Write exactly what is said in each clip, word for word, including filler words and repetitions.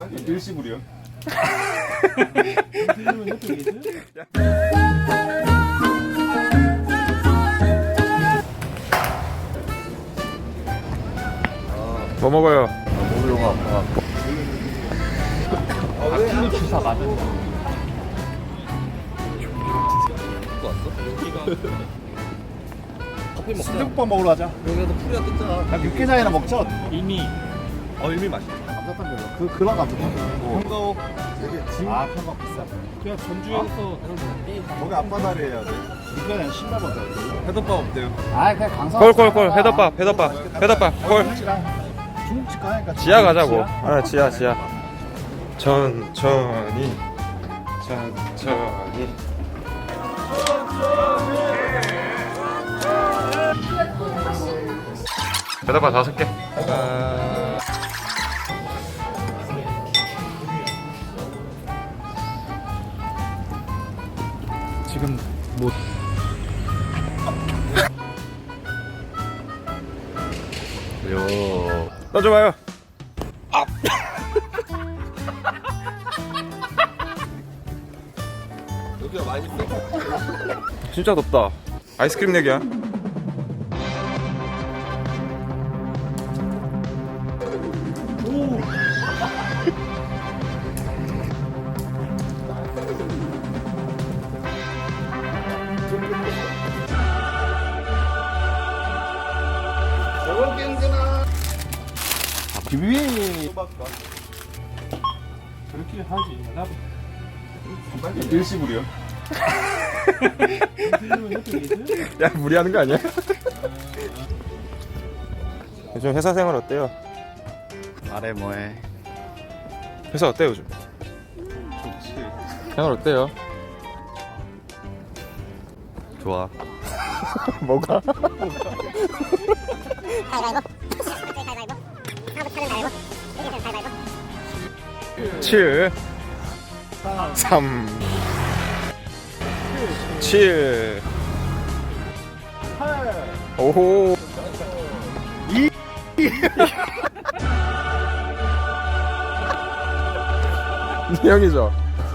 일시불이요. 뭐 먹어요? 목이 너무 아파. 닭튀김 주사 맞은 거. 또 왔어? 커피 먹자. 순대국밥 먹으러 가자. 여기서 풀이가 뜯잖아. 그냥 육개장이나 먹자. 이미 어 일미 맛있다. 감자탕 별로. 그 그런 감자탕 별로. 평가오 되게 진. 아 편박 비싸. 그냥 전주에서 거기 앞바다리 해야 돼. 육개장 십만 원 짜리. 회덮밥 없대요. 아 그냥 강사. 콜콜콜 회덮밥 회덮밥 회덮밥 콜. 중국집 가니까. 지하 가자고. 아 지하 지하. 천천히 천천히. 회덮밥 다섯 개. 아... 지금 뭐 요. 떠줘봐요. 여기가 맛있어? 진짜 덥다. 아이스크림 내기야. 비비. 그렇게 하지. 나도 일시불이요. 야 무리하는 거 아니야? 요즘 회사 생활 어때요? 말해 뭐해. 회사 어때요 요즘? 좋지. 생활 어때요? 좋아. 뭐가? 칠 삼 칠 오호 이 형이죠?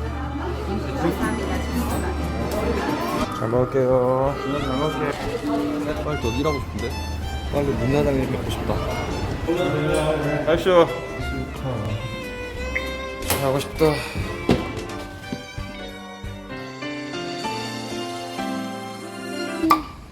잘 먹을게요. 빨리 더 일하고 싶은데? 빨리 문화장에 뵙고 싶다. 아이쇼 하고 싶다.